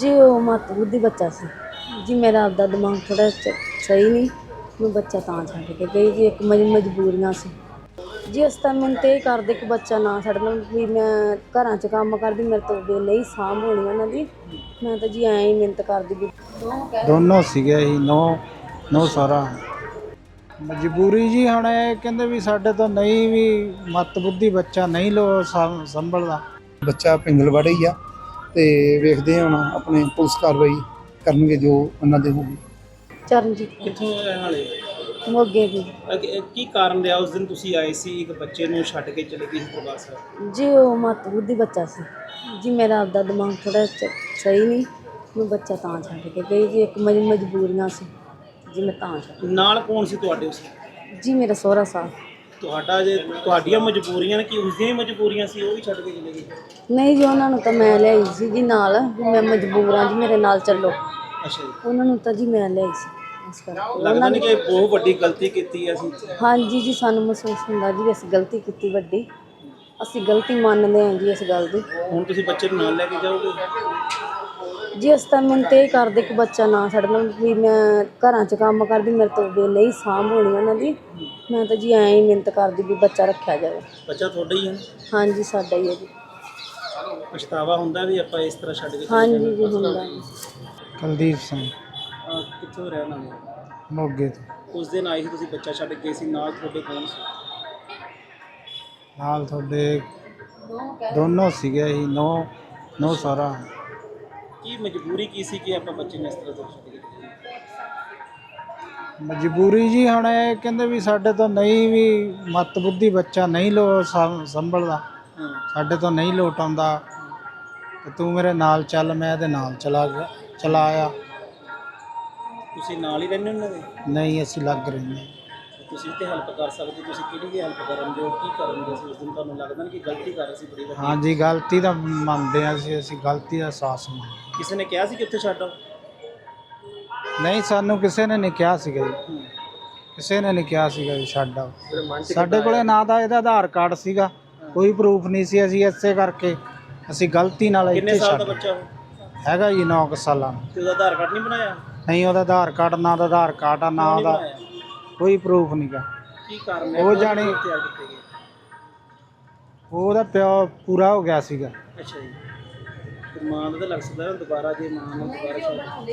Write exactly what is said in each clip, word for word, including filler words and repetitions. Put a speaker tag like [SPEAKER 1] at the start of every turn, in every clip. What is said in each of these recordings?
[SPEAKER 1] जी वो मत बुद्धि बच्चा सी जी। मेरा आपदा दिमाग थोड़ा सही नहीं, मैं बच्चा तां छड्ड के गई जी। एक मज मजबूरियां सी जी। अस तां मिन्नत एह् करदे कि बच्चा ना छड्डन भी। मैं घरां च कम्म करदी, मेरे तो बे नहीं सांभ होनी उन्हां दी। मैं तां जी ऐं ही मिन्नत करदी भी
[SPEAKER 2] ਦੋਨੋਂ ਸੀਗੇ ਜੀ, ਨੌ ਨੌ ਸਾਰਾ ਮਜਬੂਰੀ ਜੀ। ਹੁਣ ਇਹ ਕਹਿੰਦੇ ਵੀ ਸਾਡੇ ਤੋਂ ਨਹੀਂ ਵੀ ਮੱਤ ਬੁੱਧੀ ਬੱਚਾ ਨਹੀਂ ਲੋ ਸੰ- ਸੰਭਲਦਾ।
[SPEAKER 3] ਬੱਚਾ ਪਿੰਗਲਵਾੜਾ ਹੀ ਆ ਤੇ ਵੇਖਦੇ ਹਾਂ ਹੁਣ ਆਪਣੇ ਪੁਲਿਸ ਕਾਰਵਾਈ ਕਰਨਗੇ ਜੋ ਉਹਨਾਂ ਦੇ ਹੋਊਗੀ।
[SPEAKER 1] ਚਰਨਜੀਤ
[SPEAKER 4] ਕਿੱਥੋਂ ਰਹਿਣ ਵਾਲੇ
[SPEAKER 1] ਮੋਗੇ ਦੀ
[SPEAKER 4] ਅਗੇ- ਕੀ ਕਾਰਨ ਰਿਹਾ? ਉਸ ਦਿਨ ਤੁਸੀਂ ਆਏ ਸੀ, ਇੱਕ ਬੱਚੇ ਨੂੰ ਛੱਡ ਕੇ ਚਲੇ ਗਏ ਸੀ ਦਰਬਾਰ ਸਾਹਿਬ।
[SPEAKER 1] जी वो मत बुद्धि बच्चा सी जी। मेरा आपदा दिमाग थोड़ा सही नहीं, मैं बच्चा तां छड्ड के गई जी। एक मज मजबूरियां सी जी, मैं तां छड्ड
[SPEAKER 4] ਨਾਲ ਕੌਣ ਸੀ ਤੁਹਾਡੇ ਉਸ?
[SPEAKER 1] जी। मेरा सोहरा साहब
[SPEAKER 4] ਤੁਹਾਡਾ ਜੇ ਤੁਹਾਡੀਆਂ ਮਜਬੂਰੀਆਂ ਨੇ ਕਿ ਉਸ ਦੀਆਂ ਹੀ ਮਜਬੂਰੀਆਂ ਸੀ, ਉਹ ਵੀ ਛੱਡ ਕੇ ਚਲੇ ਗਏ?
[SPEAKER 1] नहीं जी, उन्होंने तो मैं लियाई सी जी नाल भी। मैं मजबूर हाँ जी, मेरे नाल चलो।
[SPEAKER 4] ਅੱਛਾ ਜੀ,
[SPEAKER 1] उन्होंने तो जी मैं लियाई सी इस करके।
[SPEAKER 4] ਲੱਗਦਾ ਨਹੀਂ ਕਿ ਬਹੁਤ ਵੱਡੀ ਗਲਤੀ ਕੀਤੀ ਹੈ ਅਸੀਂ?
[SPEAKER 1] हाँ जी जी, सानू महसूस हुंदा जी असीं गलती कीती वड्डी। ਅਸੀਂ ਗਲਤੀ ਮੰਨਦੇ ਹਾਂ ਜੀ ਇਸ ਗੱਲ ਦੀ।
[SPEAKER 4] ਹੁਣ ਤੁਸੀਂ ਬੱਚੇ ਨੂੰ ਨਾਲ ਲੈ ਕੇ ਜਾਓਗੇ?
[SPEAKER 1] ਜੀ ਅਸੀਂ ਤਾਂ ਮਿਹਨਤ ਇਹ ਕਰਦੇ ਕਿ ਬੱਚਾ ਨਾ ਛੱਡਣ ਵੀ। ਮੈਂ ਘਰਾਂ 'ਚ ਕੰਮ ਕਰਦੀ, ਮੇਰੇ ਤੋਂ ਬੇ ਨਹੀਂ ਸਾਂਭ ਹੋਣੀ ਉਹਨਾਂ ਦੀ। ਮੈਂ ਤਾਂ ਜੀ ਐਂ ਹੀ ਮਿਹਨਤ ਕਰਦੀ ਵੀ ਬੱਚਾ ਰੱਖਿਆ ਜਾਵੇ।
[SPEAKER 4] ਬੱਚਾ ਤੁਹਾਡਾ ਹੀ ਹੈ?
[SPEAKER 1] ਹਾਂਜੀ ਸਾਡਾ ਹੀ ਹੈ ਜੀ।
[SPEAKER 4] ਪਛਤਾਵਾ ਹੁੰਦਾ ਵੀ ਆਪਾਂ ਇਸ ਤਰ੍ਹਾਂ ਛੱਡ ਕੇ ਚਲੇ
[SPEAKER 1] ਹਾਂਜੀ
[SPEAKER 4] ਜਾਣਾ?
[SPEAKER 1] ਜੀ ਹੁੰਦਾ।
[SPEAKER 2] ਕੁਲਦੀਪ ਸਿੰਘ
[SPEAKER 4] ਅਹ ਕਿੱਥੋਂ ਰਹਿਣ ਵਾਲੇ?
[SPEAKER 2] ਮੋਗੇ ਤੋਂ।
[SPEAKER 4] ਉਸ ਦਿਨ ਆਏ ਸੀ ਤੁਸੀਂ, ਬੱਚਾ ਛੱਡ ਕੇ ਗਏ ਸੀ, ਨਾਲ ਤੁਹਾਡੇ ਕੌਣ ਸੀ?
[SPEAKER 2] ਨਾਲ ਤੁਹਾਡੇ ਦੋਨੋਂ ਸੀਗੇ ਜੀ, ਨੌ ਨੌ ਸਾਰਾ
[SPEAKER 4] ਕੀ ਮਜਬੂਰੀ ਕੀ ਸੀ ਕਿ ਆਪਾਂ ਬੱਚੇ ਨੂੰ ਇਸ ਤਰ੍ਹਾਂ ਤੋਂ ਛੱਡ ਕੇ ਚਲੇ ਗਏ?
[SPEAKER 2] ਮਜਬੂਰੀ ਜੀ। ਹੁਣ ਇਹ ਕਹਿੰਦੇ ਵੀ ਸਾਡੇ ਤੋਂ ਨਹੀਂ ਵੀ ਮੱਤ ਬੁੱਧੀ ਬੱਚਾ ਨਹੀਂ ਲੋ ਸੰ- ਸੰਭਲਦਾ,
[SPEAKER 4] ਹਾਂ,
[SPEAKER 2] ਸਾਡੇ ਤੋਂ ਨਹੀਂ ਲੋਟ ਆਉਂਦਾ ਤੇ ਤੂੰ ਮੇਰੇ ਨਾਲ ਚੱਲ। ਮੈਂ ਇਹਦੇ ਨਾਲ ਚਲਾ ਗਿਆ, ਚਲਾ ਆਇਆ।
[SPEAKER 4] ਤੁਸੀਂ ਨਾਲ ਹੀ ਰਹਿੰਦੇ ਉਹਨਾਂ ਦੇ?
[SPEAKER 2] ਨਹੀਂ ਅਸੀਂ ਲੱਗ ਰਹੇ ਹਾਂ।
[SPEAKER 4] ਤੁਸੀਂ ਤੇ ਹੈਲਪ ਕਰ ਸਕਦੇ, ਤੁਸੀਂ ਕਿਹੜੀ ਦੀ ਹੈਲਪ ਕਰਨਗੇ? ਕੀ ਕਰਨਗੇ? ਅਸੀਂ ਉਸ ਦਿਨ ਤੁਹਾਨੂੰ ਲੱਗਦਾ ਨਹੀਂ ਕਿ ਗਲਤੀ ਕਰ ਰਹੇ ਸੀ ਬੜੀ ਵੱਡੀ?
[SPEAKER 2] ਹਾਂਜੀ ਗਲਤੀ ਤਾਂ ਮੰਨਦੇ ਹਾਂ ਅਸੀਂ ਅਸੀਂ ਗਲਤੀ ਦਾ ਅਹਿਸਾਸ ਮੰਨਦੇ।
[SPEAKER 4] ਕਿਸੇ ਨੇ ਕਿਹਾ ਸੀ ਕਿ ਉੱਥੇ ਛੱਡ ਆਓ?
[SPEAKER 2] ਨਹੀਂ ਸਾਨੂੰ ਕਿਸੇ ਨੇ ਨਹੀਂ ਕਿਹਾ ਸੀਗਾ ਜੀ,
[SPEAKER 4] ਹੂੰ।
[SPEAKER 2] ਕਿਸੇ ਨੇ ਨਹੀਂ ਕਿਹਾ ਸੀਗਾ ਜੀ ਛੱਡ ਆਓ। ਸਾਡੇ ਕੋਲੇ ਨਾ ਤਾਂ ਇਹਦਾ ਆਧਾਰ ਕਾਰਡ ਸੀਗਾ, ਕੋਈ ਪ੍ਰੂਫ ਨਹੀਂ ਸੀ। ਅਸੀਂ ਇਸੇ ਕਰਕੇ ਅਸੀਂ ਗਲਤੀ ਨਾਲ
[SPEAKER 4] ਕਿੰਨੇ
[SPEAKER 2] ਇੱਥੇ
[SPEAKER 4] ਸਾਲ ਦਾ
[SPEAKER 2] ਛੱਡ
[SPEAKER 4] ਬੱਚਾ ਉਹ?
[SPEAKER 2] ਹੈਗਾ ਜੀ ਨੌ ਕੁ ਸਾਲਾਂ ਦਾ।
[SPEAKER 4] ਤੇ ਉਹਦਾ ਆਧਾਰ ਕਾਰਡ ਨਹੀਂ ਬਣਾਇਆ?
[SPEAKER 2] ਨਹੀਂ ਉਹਦਾ ਆਧਾਰ ਕਾਰਡ ਨਾ ਦਾ ਆਧਾਰ ਕਾਰਡ ਆ ਨਾ
[SPEAKER 4] ਕਿਉਂ ਨਹੀਂ
[SPEAKER 2] ਉਹਦਾ
[SPEAKER 4] ਬਣਾਇਆ?
[SPEAKER 2] ਕੋਈ ਪ੍ਰੂਫ ਨਹੀਂਗਾ।
[SPEAKER 4] ਕੀ ਕਾਰਨ ਹੈ?
[SPEAKER 2] ਉਹ
[SPEAKER 4] ਕਦੋਂ
[SPEAKER 2] ਜਾਣੀ-
[SPEAKER 4] ਤਿਆਰ ਕੀਤੇ ਗਏ?
[SPEAKER 2] ਉਹਦਾ ਪਿਓ ਪੂਰਾ ਹੋ ਗਿਆ ਸੀਗਾ।
[SPEAKER 4] ਅੱਛਾ ਜੀ। ਤੇ ਮਾਂ ਦਾ ਤਾਂ ਲੱਗ ਸਕਦਾ ਨਾ ਦੁਬਾਰਾ, ਜੇ ਮਾਂ ਨੂੰ ਦੁਬਾਰਾ ਛੱਡ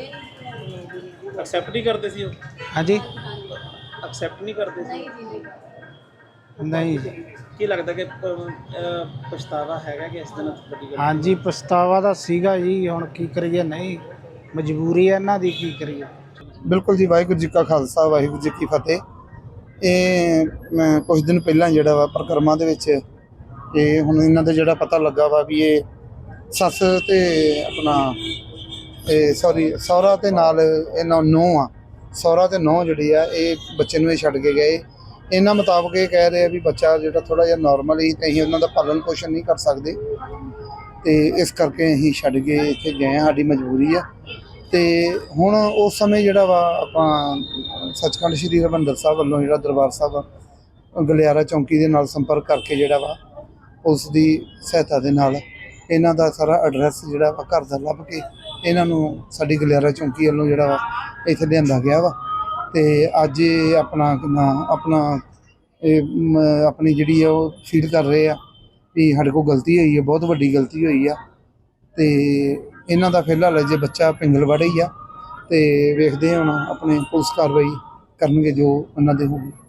[SPEAKER 4] ਐਕਸੈਪਟ ਨਹੀਂ ਕਰਦੇ ਸੀ ਉਹ?
[SPEAKER 2] ਹਾਂਜੀ
[SPEAKER 4] ਐਕਸੈਪਟ ਨਹੀਂ ਕਰਦੇ ਸੀ?
[SPEAKER 2] ਨਹੀਂ
[SPEAKER 4] ਕੀ ਲੱਗਦਾ ਕਿ ਪ- ਅਹ ਪਛਤਾਵਾ ਹੈਗਾ ਕਿ ਇਸ ਦਿਨ ਵੱਡੀ ਗੱਲ?
[SPEAKER 2] ਹਾਂਜੀ ਪਛਤਾਵਾ ਤਾਂ ਸੀਗਾ ਜੀ। ਹੁਣ ਕੀ ਕਰੀਏ, ਨਹੀਂ ਮਜਬੂਰੀ ਹੈ ਇਹਨਾਂ ਦੀ, ਕੀ ਕਰੀਏ।
[SPEAKER 3] ਬਿਲਕੁਲ ਜੀ। ਵਾਹਿਗੁਰੂ ਜੀ ਕਾ ਖਾਲਸਾ, ਵਾਹਿਗੁਰੂ ਜੀ ਕੀ ਫਤਿਹ। ਇਹ ਮੈਂ ਕੁਝ ਦਿਨ ਪਹਿਲਾਂ ਜਿਹੜਾ ਵਾ ਪ੍ਰਕਰਮਾਂ ਦੇ ਵਿੱਚ ਇਹ ਹੁਣ ਇਹਨਾਂ ਦਾ ਜਿਹੜਾ ਪਤਾ ਲੱਗਾ ਵਾ ਵੀ ਇਹ ਸੱਸ ਤੇ ਆਪਣਾ ਇਹ ਸੌਰੀ ਸਹੁਰਾ ਤੇ ਨਾਲ ਇਹਨਾਂ ਨੂੰਹ ਆ। ਸਹੁਰਾ ਤੇ ਨੂੰਹ ਜਿਹੜੀ ਆ ਇਹ ਬੱਚੇ ਨੂੰ ਇਹ ਛੱਡ ਕੇ ਗਏ। ਇਹਨਾਂ ਮੁਤਾਬਕ ਇਹ ਕਹਿ ਰਹੇ ਆ ਵੀ ਬੱਚਾ ਜਿਹੜਾ ਥੋੜ੍ਹਾ ਜਿਹਾ ਨੋਰਮਲ ਹੀ, ਤੇ ਅਸੀਂ ਉਹਨਾਂ ਦਾ ਪਾਲਣ ਪੋਸ਼ਣ ਨਹੀਂ ਕਰ ਸਕਦੇ ਤੇ ਇਸ ਕਰਕੇ ਅਸੀਂ ਛੱਡ ਕੇ ਇੱਥੇ ਗਏ ਹਾਂ। ਸਾਡੀ ਮਜਬੂਰੀ ਆ। ਤੇ ਹੁਣ ਉਸ ਸਮੇਂ ਜਿਹੜਾ ਵਾ ਆਪਾਂ ਸੱਚਖੰਡ ਸ਼੍ਰੀ ਹਰਿਮੰਦਰ ਸਾਹਿਬ ਵੱਲੋਂ ਜਿਹੜਾ ਦਰਬਾਰ ਸਾਹਿਬ ਗਲਿਆਰਾ ਚੌਂਕੀ ਦੇ ਨਾਲ ਸੰਪਰਕ ਕਰਕੇ ਜਿਹੜਾ ਵਾ ਪੁਲਿਸ ਦੀ ਸਹਾਇਤਾ ਦੇ ਨਾਲ ਇਹਨਾਂ ਦਾ ਸਾਰਾ ਐਡਰੈਸ ਜਿਹੜਾ ਵਾ ਘਰ ਦਾ ਲੱਭ ਕੇ ਇਹਨਾਂ ਨੂੰ ਸਾਡੀ ਗਲਿਆਰਾ ਚੌਂਕੀ ਵੱਲੋਂ ਜਿਹੜਾ ਵਾ ਇੱਥੇ ਲਿਆਂਦਾ ਗਿਆ ਵਾ। ਤੇ ਅੱਜ ਇਹ ਆਪਣਾ ਕਿੰਨਾ ਆਪਣਾ ਇਹ ਮ- ਆਪਣੀ ਜਿਹੜੀ ਆ ਉਹ ਫੀਲ ਕਰ ਰਹੇ ਆ ਵੀ ਸਾਡੇ ਕੋਲ ਗਲਤੀ ਹੋਈ ਹੈ, ਬਹੁਤ ਵੱਡੀ ਗਲਤੀ ਹੋਈ ਆ। ਤੇ ਇਹਨਾਂ ਦਾ ਫਿਲਹਾਲ ਜੇ ਬੱਚਾ ਪਿੰਗਲਵਾੜਾ ਹੀ ਆ ਤੇ ਵੇਖਦੇ ਹਾਂ ਹੁਣ ਆਪਣੇ ਪੁਲਿਸ ਕਾਰਵਾਈ ਕਰਨਗੇ ਜੋ ਉਹਨਾਂ ਦੇ ਹੋਊਗੀ।